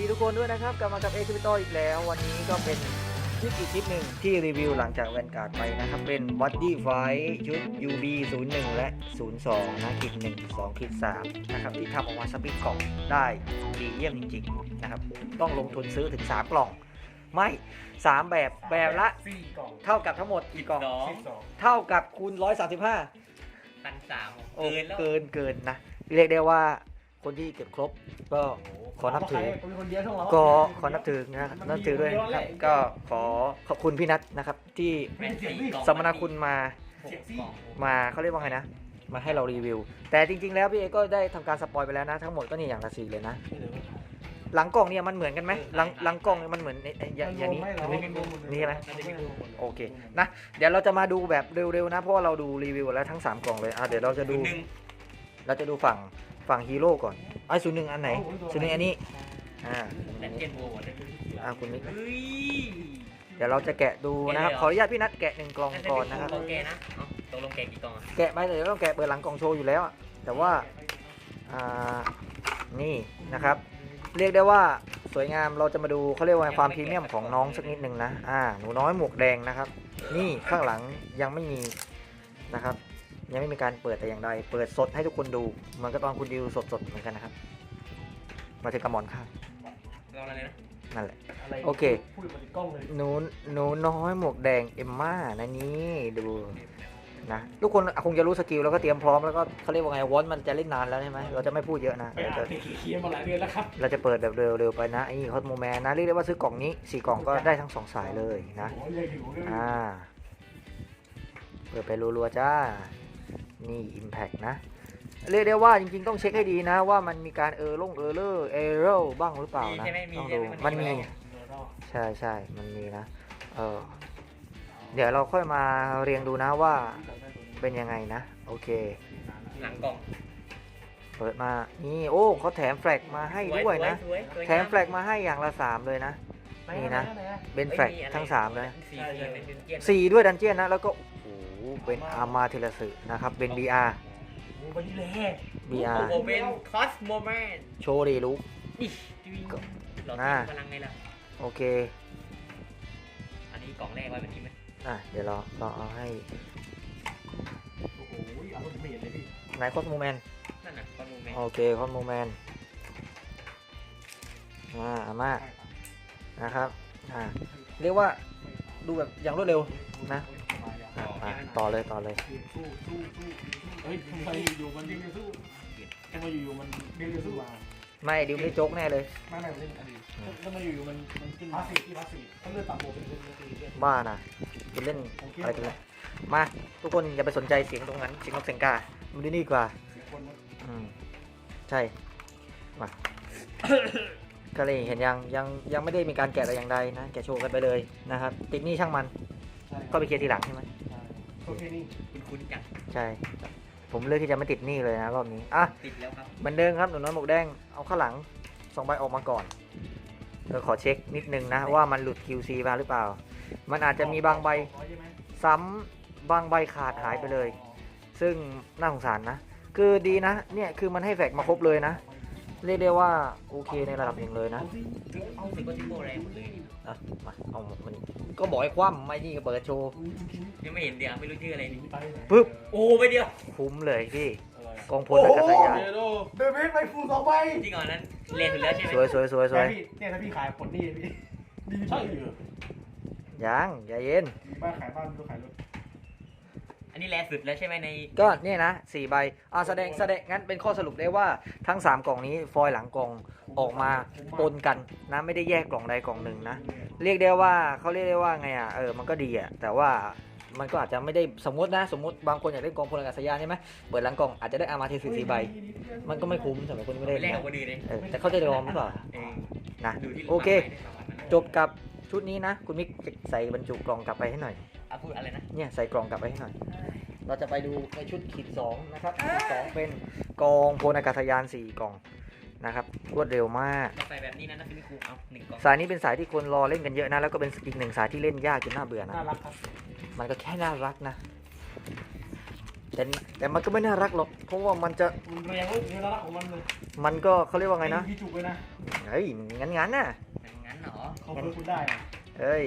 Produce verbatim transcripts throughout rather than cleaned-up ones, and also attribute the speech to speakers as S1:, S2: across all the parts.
S1: ทุกคนด้วยนะครับกลับมากับเอคิปิโตอีกแล้ววันนี้ก็เป็นคลิปอีกคลิปหนึ่งที่รีวิวหลังจากแวนการ์ดไปนะครับเป็น Body Fight ชุด ยู บี ศูนย์ หนึ่ง และ ศูนย์ สอง นะคลิปหนึ่ง สอง คลิป สามนะครับที่ทำออกมาสปิดกล่องได้ดีเยี่ยมจริงๆนะครับต้องลงทุนซื้อถึงสามกล่องไม่สามแบบแบบละเท่ากับทั้งหมดกี่กล่องเท่ากับคูณหนึ่งร้อยสามสิบห้า
S2: พันสาม
S1: โอ้
S2: เกินแล้ว
S1: เกินเกินนะเรียกได้ว่าคนที่เก็บครบก็ขอนับถือก็ขอนับถือนะครับนับถือด้วยนะครับก็ขอขอบคุณพี่นัทนะครับที่สมนาคุณมามาเขาเรียกว่าไงนะมาให้เรารีวิวแต่จริงๆแล้วพี่เอก็ได้ทำการสปอยไปแล้วนะทั้งหมดก็นี่อย่างละสี่เลยนะหลังกล่องเนี่ยมันเหมือนกันไหมหลังหลังกล่องมันเหมือนอย่างอย่างนี้นี่ใช่ไหมโอเคนะเดี๋ยวเราจะมาดูแบบเร็วๆนะเพราะว่าเราดูรีวิวแล้วทั้งสามกล่องเลยอ่ะเดี๋ยวเราจะดูเราจะดูฝั่งฝั่งฮีโร่ก่อนไอ้ศูนย์หนึ่งอันไหนศูนย์หนึ่งอันนี้อ่าอันนี้อ่าคุณมิกเดี๋ยวเราจะแกะดูนะครับขออนุญาตพี่นัทแกะหนึ่งกล่องก่อนนะครับ
S2: ตกลงแกนะตกลงแกกี่กล่องอ่ะ
S1: แกะไปเดี๋ยวต้องแกะเปิดหลังกล่องโชว์อยู่แล้วแต่ว่าอ่านี่นะครับเรียกได้ว่าสวยงามเราจะมาดูเขาเรียกว่าความพรีเมียมของน้องสักนิดหนึ่งนะอ่าหนูน้อยหมวกแดงนะครับนี่ข้างหลังยังไม่มีนะครับยังไม่มีการเปิดแต่อย่างใดเปิดสดให้ทุกคนดูเหมือนกับตอนคุณดิวสดๆเหมือนกันนะครับมาถึงกระหมอนข้าง
S2: เราอะไรนะ
S1: นั่นแหละโอเคหนูหนูน้อยหมวกแดงเอมม่านะนี่ดูนะทุกคนคงจะรู้สกิลแล้วก็เตรียมพร้อมแล้วก็เขาเรียกว่าไงวอนมันจะเล่นนานแล้วใช่ไหมเราจะไม่พูดเยอะนะเราจะ
S3: เคียร์มาหลายเดือนแล้วครับ
S1: เราจะเปิดแบบเร็วๆไปนะไอ้คอสโมแมนนะเรียกได้ว่าซื้อกล่องนี้สี่กล่องก็ได้ทั้งสองสายเลยนะอ่าเปิดไปรัวๆจ้านี่ Impact นะเรียกได้ว่าจริงๆต้องเช็คให้ดีนะว่ามันมีการเออลงเออเลอร์เอโร่บ้างหรือเปล่านะต้องดูมันมีใช่ใช่มันมีนะเออเดี๋ยวเราค่อยมาเรียงดูนะว่าเป็นยังไงนะโอเค
S2: หลังกล่อง
S1: เปิดมานี่โอ้เขาแถมแฟลกมาให้ด้วยนะแถมแฟลกมาให้อย่างละสามเลยนะนี่นะเป็นแฟลกทั้งสามเลยสี่ด้วยดันเจียนนะแล้วก็โอ้โหเป็นอาร์มาเทเลสึนะครับเป็น บี อาร์ บี อาร์
S2: โอเป็นคอสโมแมน
S1: โชว์ดีลุก
S2: หลอดพลังไงล่ะ
S1: โอเค
S2: อันนี้กล่องแรกไว้แบบนี้ไหม
S1: อ่ะเดี๋ยวเราเราเอาให้
S3: โอ้โหเอาคนเมียเลยพี่
S1: ไหนคอสโมแมน
S2: นั่นน่ะคอสโมแมน
S1: โอเคคอสโมแมนอ่าอาม่านะครับอ่าเรียกว่าดูแบบอย่างรวดเร็วนะอ่ะอ่ะต่อเลยต่อเลย
S3: สู้สู้สู้เฮ้ยทำไมอยู่ๆมันดึงจะสู้ทำไมอยู่ๆมันดึงจะสู้มา
S1: ไม่ดิวไม่ได้โจ๊กแน่เลย
S3: ไม่ไม่เล่นอดีตทำไมอยู่ๆมันมันขึ้นพาสีที่พาสีถ้าเลือดต่ำโบเป็นเล่นเล่น
S1: บ้านะคุณเล่นอะไรกันเลยมาทุกคนอย่าไปสนใจเสียงตรงนั้นเสียงนกเสียงกามันดีนี่กว่า
S3: สิบคนนะ
S1: อืมใช่มา ก็เลยเห็นยังยังยังไม่ได้มีการแกะแต่อย่างใดนะแกะโชว์กันไปเลยนะครับติดหนี่ช่างมันก็ไปเคลียร์ทีหลังใช่ไหม
S3: โอเคนี่
S2: คุณคุณจัง
S1: ใช่ผมเลือกที่จะไม่ติดหนี่เลยนะรอบนี้อ่ะ
S2: ติดแล้วครับ
S1: เหมือนเดิมครับหนูน้อยหมวกแดงเอาข้างหลังสองใบออกมาก่อนเออขอเช็คนิดนึงนะว่ามันหลุด คิว ซี มาหรือเปล่ามันอาจจะมีบางใบซ้ำบางใบขาดหายไปเลย ซึ่งน่าสงสารนะคือดีนะเนี่ยคือมันให้แฟกมาครบเลยนะเรียกได้ว่าโอเคในระดับหนึ่งเลยนะ
S2: เอาสิก็ทิโก้แรงหมดเลย
S1: อ่ะมาเอามันก็บอกให้คว่ำไม่นี่ก็เปิดโชว์
S2: ยังไม่เห็นเดียวไม่รู้ชื่ออะไรนี่
S1: ปึ๊บ
S2: โอ้ไปเดียว
S1: คุ้มเลยพี่กองพลอากาศยาน
S3: เดอะเมสไปฟูสองใบ
S2: จริงเหรอนั้นเรียนอยู่แล้วใช่ไหม
S1: สวยสวยสวยสวย
S3: เนี่ยถ้าพี่ขายผลนี่พี่ดีใช่เหรอ
S1: ยังอย่าเย็น
S3: บ้านขายบ้านก็ขายรถ
S2: อันนี้แรงสุดแล้วใช่ไหมใน
S1: ก็เนี่ยนะสี่ใบอ่าแสดงแสดงงั้นเป็นข้อสรุปได้ว่าทั้งสามกล่องนี้ฟอยล์หลังกล่องออกมาปนกันนะไม่ได้แยกกล่องใดกล่องหนึ่งนะเรียกได้ว่าเขาเรียกได้ว่าไงอ่ะเออมันก็ดีอ่ะแต่ว่ามันก็อาจจะไม่ได้สมมตินะสมมติบางคนอยากเล่นกองพลอากาศยานใช่ไหมเปิดหลังกล่องอาจจะได้อาร์มาเทสสี่ใบมันก็ไม่คุ้มสำหรับคนที่ไม่ได้
S2: แร
S1: เล่
S2: ง
S1: น
S2: กว่าคนอื่นเลย
S1: เออแต่เขาจะยอมหรือเปล่า
S2: เออ
S1: นะ
S2: ดูที่
S1: โอเคจบกับชุดนี้นะคุณมิกใส่บรรจุกล่องกลับไปให้หน่อย
S2: อ่ะพูดอะไรนะ
S1: เนี่ยใส่กล่องกลับไปให้หน่อยเราจะไปดูในชุดขีดสองนะครับขีดสองเป็นกองพลอากาศยานสี่กล่องนะครับรวดเร็วมาก
S2: ใส่แบบนี้นะนะพี่ครูเอาหนึ่งกล่อง
S1: สายนี้เป็นสายที่คนรอเล่นกันเยอะนะแล้วก็เป็นอีกหนึ่งสายที่เล่นยากจนน่าเบื่อนะ
S3: น่ารักครับ
S1: มันก็แค่น่ารักนะ แแต่แต่มันก็ไม่น่ารักหรอกเพราะว่ามันจะ
S3: มันแรงเว้ยเนื้อละของมันเลย
S1: มันก็เขาเรียกว่าไงนะ
S3: พี่จุกเลยนะ
S1: เฮ้ยงั้นงั้นๆน่ะ
S2: งั้นเหรอ
S3: เขาเพิ่มคุณได้นะ
S1: เฮ้ย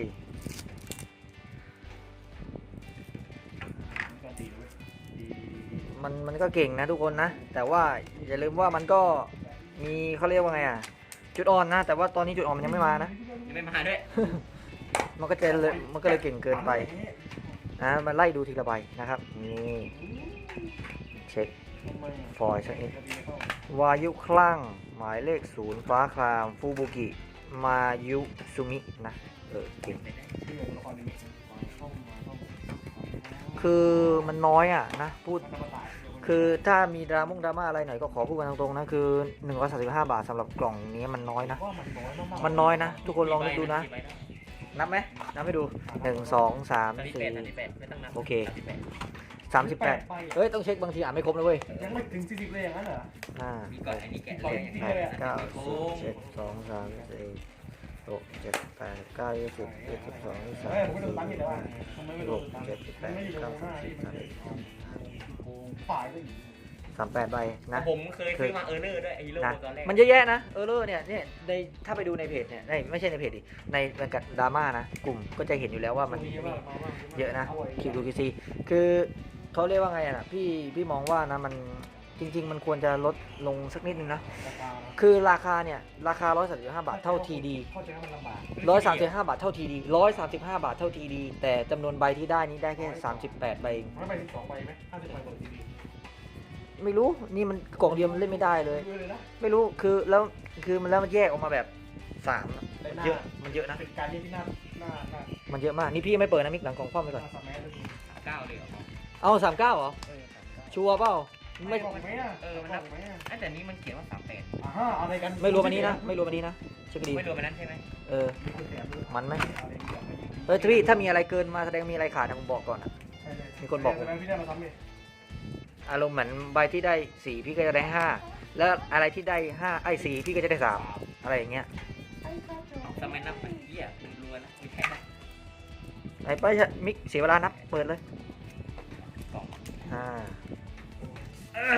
S3: การตีเลยดี
S1: มันมันก็เก่งนะทุกคนนะ แต่ว่าอย่าลืมว่ามันก็มีเขาเรียกว่าไงอ่ะจุดอ่อนนะ แต่ว่าตอนนี้จุดอ่อนมันยังไม่มานะ
S2: ยังไม่มาด้วย
S1: มันก็จะเลยมันก็เลยเก่งเกินไปนะมาไล่ดูทีละใบนะครับนี่เช็ค
S3: ทำไม
S1: ฟอยล์สักนิด
S3: จะดีเข้าว
S1: ายุคลั่งหมายเลขศูนย์ฟ้าครามฟูบุกิมายุซุมินะเออเก่ง
S3: ชื่อตัวละครนี้มาต้องมาต้อง
S1: คือมันน้อยอ่ะนะพูด
S3: มันธรรมดา
S1: คือถ้ามีดราม่งดราม่าอะไรหน่อยก็ขอพูดกันตรงๆนะคือหนึ่งร้อยสามสิบห้าบาทสำหรับกล่องนี้มันน้อยนะ
S3: ว่ามันน้อยมากๆ
S1: มันน้อยนะ ทุกคนลองนึกดูนะ นับไหมนับให้ดูหนึ่งสองสาม
S2: สามสิบ
S1: สี่
S2: แปดสามสิบแปดไม่ต้องนับ
S1: โอเค
S2: สามสิบแปด
S1: สามสิบแปดเฮ้ย ต้องเช็คบางทีอ่านไม่ครบนะเว้ย
S3: ยังไม่ถึงสี่สิบเลยอย่างนั้นเหรอ
S1: ห้า
S2: มีก่อนอันนี้แกะ
S1: ห
S2: เลย
S1: ก
S2: อย่างนี้
S1: แปดเก้า
S2: โอ้
S1: สิบเจ็ดสองสามสี่หกเจ็ดแปดเก้ายี่สิบเอ็ดสิบสองยี่สิบสาม
S3: เฮ้ยผมไม่โดนตังค์
S1: สี่
S3: แต่ว่าทำไมไม่โด
S1: ห
S3: น
S1: ก
S3: ตังค์
S1: เจ็ดแป
S3: มัน
S1: ด
S3: ไม่อยู่ตร
S1: เก้าง
S3: หน้า
S1: สิบ
S3: ที่มันโกงฝ่ายก็อยู่
S1: สามแปดใบนะ
S2: ผมเคยซื้อมาเออร์เลอร์ด้วยไอ้ฮีโร่
S1: นะ
S2: ตอนแรก
S1: มันเยอะแยะนะเออเลอร์เนี่ยเนี่ยในถ้าไปดูในเพจเนี่ยในไม่ใช่ในเพจดิในบรรยากาศดราม่านะกลุ่มก็จะเห็นอยู่แล้วว่ามัน เยอะนะคิวดูคิซีคือเขาเรียกว่าไงอะนะพี่พี่มองว่านะมันจริง ๆ มันควรจะลดลงสักนิดนึงนะ คือราคาเนี่ยราคาหนึ่งร้อยสามสิบห้าบาทเท่าทีดี
S3: เข้าใจว่ามันลำบาก
S1: หนึ่งร้อยสามสิบห้าบาทเท่าทีดีหนึ่งร้อยสามสิบห้าบาทเท่าทีดีแต่จำนวนใบที่ได้นี้ได้แค่สามสิบแปดใบเอง
S3: มันไปสิบสองใบไหมห้าสิบใบเปิดทีวี
S1: ไม่รู้นี่มันกล่องเดียวมันเล่นไม่ได้เลย
S3: เลยนะ
S1: ไม่รู้คือแล้วคือมันแล้วมันแยกออกมาแบบสามอะ
S3: ในหน้า
S1: เยอะมันเยอะนะ
S3: เป็นการเรียกที่หน้าหน้าหน้า
S1: มันเยอะมากนี่พี่ไม่เปิดนะมิกหลังกล่องคว่ำไป
S3: ห
S1: ก่อน
S3: น้าสามแมสเลย
S2: เก้าเลยเหรอ
S1: เอาสามเก้าเหรอ
S3: เออสามเก้า
S1: ชัวร์เปล่า
S3: ไม่
S1: ไม่
S3: บอกไหมอ่ะ
S2: เออมัน
S3: บ
S2: นั
S3: อบ กไหมอ่ะ
S2: ไอ้แต่นี้มันเขียนว่าสามแปด
S3: อ่าฮะอะไรกัน
S1: ไม่รวมอันนี้นะไม่รวมอันนี้นะเช็คดี
S2: ไม่รวมอันนั้นใช่ไหม
S1: เออ
S3: มีคนแถมด้วย
S1: มันไหม
S3: อะไรอย่างเงี้ย
S1: เออพี่ถ้ามีอะไรเกินมาแสดงมีอะไรขาดนะผมบอกก่อนอะ
S3: ใช่เลย
S1: มีคนบอกผม
S3: แสดงพี่ได้มาซ้ำเลย
S1: อารมณ์เหมือนใบที่ได้สี่พี่ก็จะได้ห้าแล้วอะไรที่ได้ห้าไอ้สี่พี่ก็จะได้สามอะไรอย่างเงี้ย
S2: ทำไมนับเป็นเหี้ยคุณรัวนะไม่ใช่นะ
S1: ไอ้ไปเถอะมิกเสียเวลานับเปิดเลย
S2: กล่อง
S1: ห้า
S2: เออ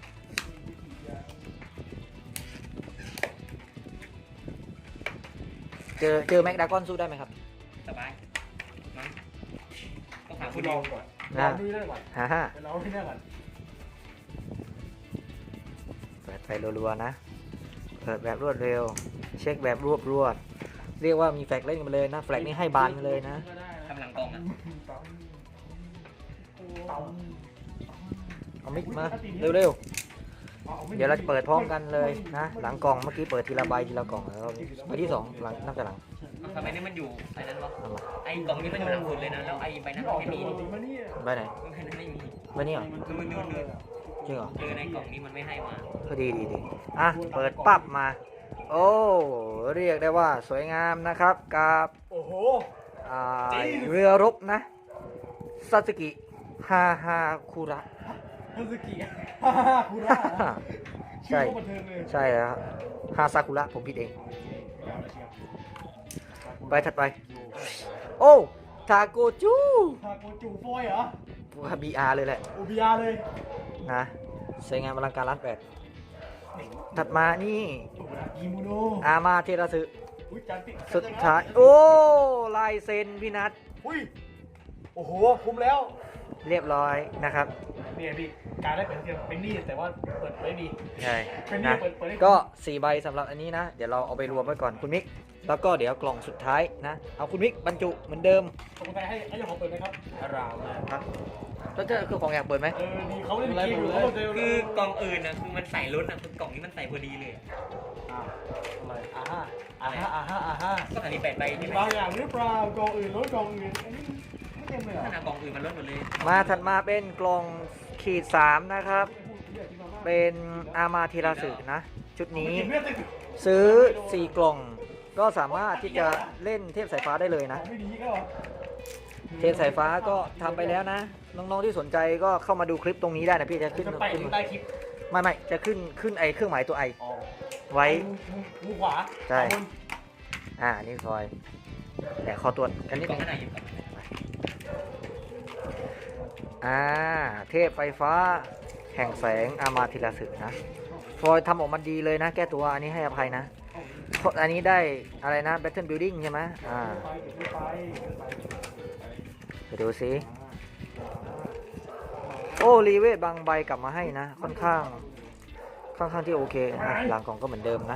S1: เจอเจอแม็กดากอนสู้ได้ไหมครับ
S2: สบายมั้งต้องถาม
S3: คุ
S2: คุณ ณ
S3: ล
S2: ดิ
S3: อ
S2: ว
S3: งก่อนล
S1: นะ
S3: องดูได้ก่อน
S1: ฮ่าฮ่า
S3: ไปลองดูได้ก่อน
S1: เปิดไปรัวๆนะเปิดแบบรวดเร็ว เช็คแบบรวบรวดเรียกว่ามีแฟลกเล่นกันมาเลยนะแฟลกนี่ให้บานกันเลยนะ
S2: ทำหลังกล่องอ่ะ
S1: เอามิกมาเร็วๆเดี๋ยวเราจะเปิดพร้อมกันเลยนะหลังกล่องเมื่อกี้เปิดทีละใบทีละกล่องแล้วใบที่สองหลังนับจากหลัง
S2: ทำไมนี่มันอยู่ไอ้นั้นวะ
S1: เอามา
S2: ไอ้กล่องนี้มันอยู่หลังสุดเลยนะแล้วไอ้ใบนั้น
S3: อ
S2: มั
S3: อน ก
S2: ไม่
S3: จาก
S2: มี
S3: ปกติมาเนี่ย
S1: ใบไหน
S2: ใบนั้นไม่มี
S1: ใบนี้เหรอ
S2: คือมันนู่นนู่น
S1: จริงเหรอ
S2: เออในกล่องนี้มันไม่ให้มา
S1: ก็ดีดีดีอ่ะ เปิดปั๊บมา โอ้ เรียกได้ว่าสวยงามนะครับ กับ
S3: โอ้โห
S1: อ่าเรือรบนะซาสึกิฮาฮาคุระ
S3: ฮันสกิฮ่าฮ่าคูระ
S1: ใช่
S3: ชื่อโคตรบันเทิงเลย
S1: ใช่แล้วฮาซากุระผมผิดเอง ไปถัดไป โอ้ทาโกจู
S3: ทาโกจูฟอยเหรอ
S1: ว่าบีอาร์เลยแหละ
S3: โอบิอาเลย
S1: นะสวยงามอลังการล้านแปดถัดมานี่
S3: โอ้โหกิโมโน
S1: อามาเทราสึ
S3: อุ้ยจันติ
S1: สุดท้าย โอ้ ลายเซ็นพี่นัท
S3: อุ้ยโอ้โหคุ้มแล้ว
S1: เรียบร้อยนะครับ
S3: เนี่ยพี่การได้เป็นเทียมเป็นหนี้แต่ว่าเปิดไม่ดี
S1: ใช่
S3: เป็นหนี้
S1: นะ
S3: เปิดเปิดได้
S1: ก็สี่ใบสำหรับอันนี้นะ เดี๋ยวเราเอาไปรวมไว้ก่อนคุณมิก แล้วก็เดี๋ยวกล่องสุดท้ายนะ เอาคุณมิกบรรจุเหมือนเดิม
S3: ขอบคุณใครให้ให้เจ้าของเปิดไหมครับอารามเลย
S1: ครับแล้วเจะคือของอยากเปิดไหม
S3: เออดีเขาเล่นเกมอยู่เขาเจอ
S2: คือกล่องอื่นนะคือมันใส่ล้นอ่ะคือกล่องนี้มันใส่พอดีเลย
S3: อ่าอะไรอ่าฮะอ่าฮะอ่าฮะอ่าฮะ
S2: ก็อันนี้แปดใบ
S3: มี
S2: ใช่ไหม
S3: บางอย่างหรือเปล่ากองอื่นรถกองอื่นอันนี้ไม่เต็มเลยเหร
S2: ข
S3: อ่ะ
S2: นาดกล่องอื่นมันล้นหมดเลย
S1: มาถัดมาเป็นกล่องขีดสามนะครับ เป็นอามาเทราสึนะ ชุดนี้ ซื้อสี่กล่อง ก็สามารถที่จะเล่นเทพสายฟ้าได้เลยนะ
S3: ไม่ดีก็เหรอ
S1: เทพสายฟ้าก็ทำไปแล้วนะ น้องๆที่สนใจก็เข้ามาดูคลิปตรงนี้ได้นะพี่จะขึ้น
S3: จะไป
S1: ขึ้น
S3: ใต้คลิป
S1: ไม่ไม่จะขึ้นขึ้นไอเครื่องหมายตัวไอ
S3: อ๋อ
S1: ไว้
S3: มือขวา
S1: ใช่ อ่านี่ซอยแต่ขอตรวจกันนิด
S2: กล่
S1: นึ
S2: อง
S1: ง
S2: ข้างในอยู่กล่องข้างใน
S1: อ่าเทพไฟฟ้าแห่งแสงอามาธิราสึนะฟอยทำออกมาดีเลยนะ แก้ตัวอันนี้ให้อภัยนะเพราะอันนี้ได้อะไรนะ Battle Building ใช่ไหมอ่าไปดูสิโอ้รีเวทบางใบกลับมาให้นะ ค่อนข้างค่อนข้างที่โอเคนะหลังกล่องก็เหมือนเดิมนะ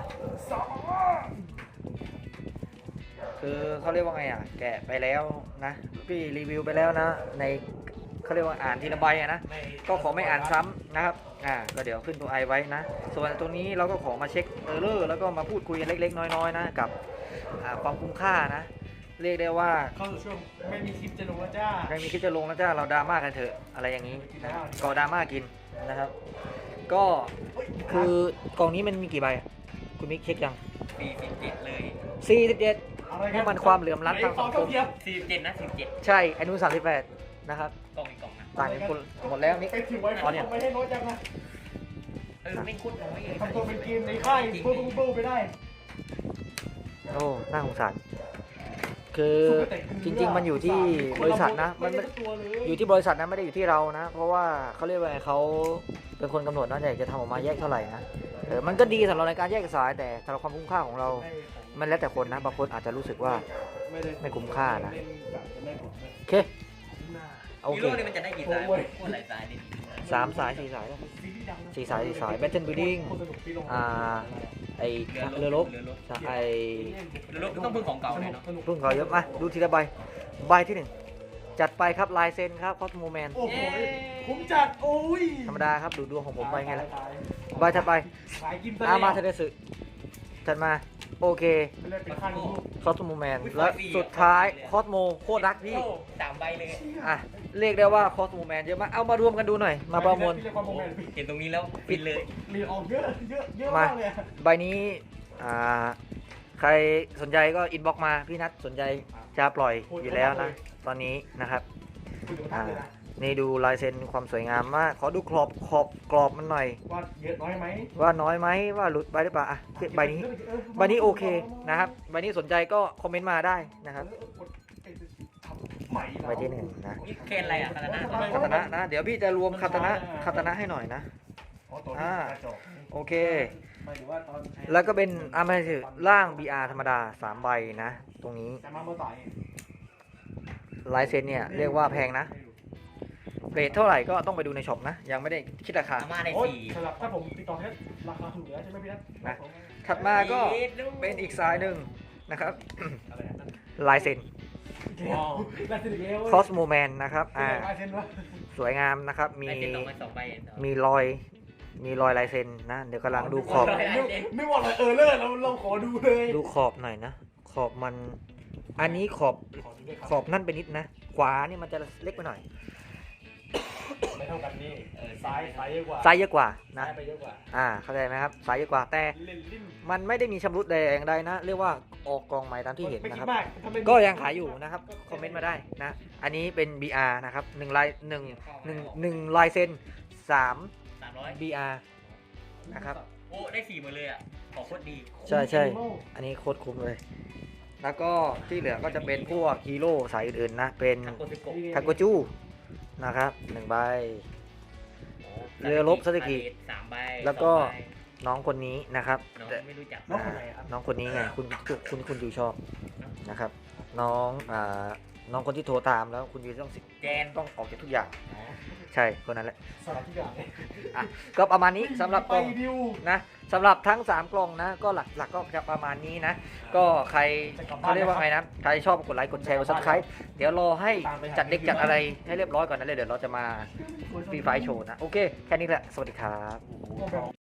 S1: คือเขาเรียกว่าไงอ่ะแกะไปแล้วนะพี่รีวิวไปแล้วนะในเขาเรียกว่าอ่านทีละใบอะนะก็ขอไม่อ่านซ้ำนะครับอ่าก็เดี๋ยวขึ้นตัวไอไว้นะส่วนตรงนี้เราก็ขอมาเช็คเออร์เลอร์แล้วก็มาพูดคุยกันเล็กๆน้อยๆนะกับอ่าความคุ้มค่านะเรียกได้ว่า
S3: เข้าสู่ช่วงไม่มีคลิปจะลงแล้วจ้า
S1: ใครมีคลิปจะลงแล้วจ้าเราดราม่ากันเถอะอะไรอย่างนี้นะก็ดราม่ากินนะครับ ก็คือกล่องนี้มันมีกี่ใบอะคุณมิกเช็คยัง
S2: สี่สิบเจ็ดเลย
S1: สี่สิบเจ็ดนี่มันความเหลื่อมล้ำทางสังคม
S2: สี่สิบเจ็ดนะสิบเจ็ด
S1: ใช่ไอ้นู้นสามสิบแปดนะครับ
S2: กล่องอีกกล่องนะ
S1: ต่างกันคนหมดแล้วนี่
S3: ไปถึงไว้
S1: อ๋อเนี่ย
S3: ไม่ให้น้อยจังนะ
S2: เออไม่คุ้นน้อยเลย
S3: ทำตัวเป็นเกมในค่ายเบิ้ลเบิ้ลไปได้
S1: โอ้น่าสงสารคือจริง ๆ มันอยู่ที่บริษัทนะมันไม่อยู่ที่บริษัทนะไม่ได้อยู่ที่เรานะ เพราะว่าเขาเรียกว่าไงเขาเป็นคนกำหนดนะอยากจะทำออกมาแยกเท่าไหร่นะเออมันก็ดีสำหรับในการแยกสายแต่สำหรับความคุ้มค่าของเรา มันแล้วแต่คนนะบางคนอาจจะรู้สึกว่าไม่คุ้มค่านะโอเคโอ
S2: ฮี
S1: เค
S2: โร่นี่มันจะได้กี่สายโคตรหลายสายดิ
S1: สามสายสี่สายแล้วสี่สายสี่สาย Battle Building อ่าไอเรือรบ
S2: เรือรบ
S1: ไอ
S2: เรือรบก็ต้องพึ่งของเก่าเลยเนาะ
S1: รุ่นเขาเยอะมาดูทีละใบใบที่หนึ่งจัดไปครับลายเซ็นครับคอสโมแมน
S3: โอ้โหคุ้มจัดโอ้ย
S1: ธรรมดาครับดูดวงของผมไปไงล่ะใบถัดไป
S3: ขายกิน
S1: อามาเทเดสึถัดมาโอเค
S3: ไม่ได้เป็นข้างลูก
S1: คอสโมแมนและสุดท้ายคอสโมโคตรรักพี่
S2: สามใบเลย
S1: อ่ะเรียกได้ว่าคอสโมแมนเยอะมากเอามารวมกันดูหน่อยมาประมวล
S3: พี่เรียกว่าโมเมนต์
S2: เห็นตรงนี้แล้วปิดเลย
S3: เรียนออกเยอะเยอะเยอะ
S1: มาม
S3: ากเลย
S1: ใบนี้อ่าใครสนใจก็อินบ็อกมาพี่นัทสนใจจะปล่อยอยู่แล้วนะตอนนี้นะครับ
S3: คุณดู
S1: อ่า
S3: ท่าเลยนะ
S1: นี่ดูลายเซ็นความสวยงามมากขอดูขอบขอบกรอบมันหน่อย
S3: ว่าเยอะน้อยไหม
S1: ว่าน้อยไหมว่าหลุดไปหรือเปล่าอ่ะใบนี้ใบนี้โอเคนะครับใบนี้สนใจก็คอมเมนต์มาได้นะครับใบที่หนึ่งนะ
S2: นี่เคนอะไรอ่ะคาตานะ
S1: คาตานะนะเดี๋ยวพี่จะรวมคาตานะคาตานะให้หน่อยนะ อ่า โอเค
S3: หมายถึงว่าตอน
S1: แล้วก็เป็นอามาถือร่าง บี อาร์ ธรรมดาสามใบนะ ตรงนี้
S3: จะมาเมื่อไหร่
S1: ลายเซ็นเนี่ยเรียกว่าแพงนะเรทเท่าไหร่ก็ต้องไปดูในช็อปนะ ยังไม่ได้คิดราคา
S2: อาม่าได้
S3: โอ้ย
S2: สี่
S3: สำหรับถ้าผมติดต่อแค่ราคาถูกแล้วใช่ไหมพี่นัท
S1: นะ ถัดมาก็เป็นอีกสายหนึ่งนะครับ
S3: อะไรนะ
S1: ลายเซ็น
S3: ว้าวลายเซ็นอีกแล้ว
S1: คอสโมแมนนะครับอ่า
S3: ลายเซ็นวะ
S1: สวยงามนะครับมี
S2: ได้เซ็นสองใบสองใบ
S1: มีรอยมีรอยลายเซ็นนะ เดี๋ยวกำลังดูขอบ
S3: ไม่ว่าอะไรเออเลอร์เราเราขอดูเลย
S1: ดูขอบหน่อยนะ ขอบมัน อันนี้ขอบขอบนั่นไปนิดนะ ขวานี่มันจะเล็กไปหน่อย
S3: ไม่เท่ากันนี่เออซ้ายซ้ายเยอะกว่า
S1: ซ้ายเยอะกว่านะ
S3: ซ้ายไปเยอะกว่า
S1: อ่าเข้าใจไหมครับซ้ายเยอะกว่าแต่
S3: เล่นลิ้น
S1: มันไม่ได้มีชำรุดใดอย่างใดนะ เรียกว่าออกกองใหม่ตามที่เห็น
S3: ไม่
S1: นะ
S3: คิ
S1: ค
S3: ด
S1: รับ
S3: มากถ้าไม่
S1: ก็ยังขายอยู่นะครับคอมเมนต์มาได้นะ อันนี้เป็น บี อาร์ นะครับหนึ่งลายหนึ่งหนึ่งหนึ่งลายเซ็นสาม
S2: สามร้อย
S1: บี อาร์ นะครับ
S2: โอ้ได้สี่หมดเลยอ่ะของโคตรดี
S1: ใช่ใช่ อันนี้โคตรคุ้มเลย แล้วก็ที่เหลือก็จะเป็นพวกฮีโร่สายอื่นๆนะ เป็น
S2: ทาโกซิโกะ
S1: ทาโกจูนะครับหนึ่งใบ เรือรบซาสึกิ
S2: สามใบ
S1: แล้วก็
S2: สองใบ
S1: น้องคนนี้นะครับ
S2: น้อง
S1: แต่
S2: ไม่รู้จัก
S3: น้องคนไหนครับ
S1: น้องคนนี้ไงคุณคุณคุณยูชอบนะครับ น้องอ่าน้องคนที่โทรตามแล้วคุณยูต้องสิ
S2: แจน
S1: ต้องออกจากทุกอย่าง ใช่คนนั้นแหละ
S3: สารทุกอย่างเลย
S1: อ่ะก็ประมาณนี้สำหรับ
S3: ไป
S1: กล่อง
S3: ดิว
S1: นะสำหรับทั้งสามกล่องนะ ก็หลักหลักก็จะประมาณนี้นะ ก็ใครเขาเรียกว่าไงนะใครชอบกดไลค์กดแชร์กดซับสไครต์เดี๋ยวรอให้จัดเด็กจัดอะไรให้เรียบร้อยก่อนนะเลยเดี๋ยวเราจะมาฟรีไฟล์โชว์นะ โอเค แค่นี้แหละ สวัสดีครับ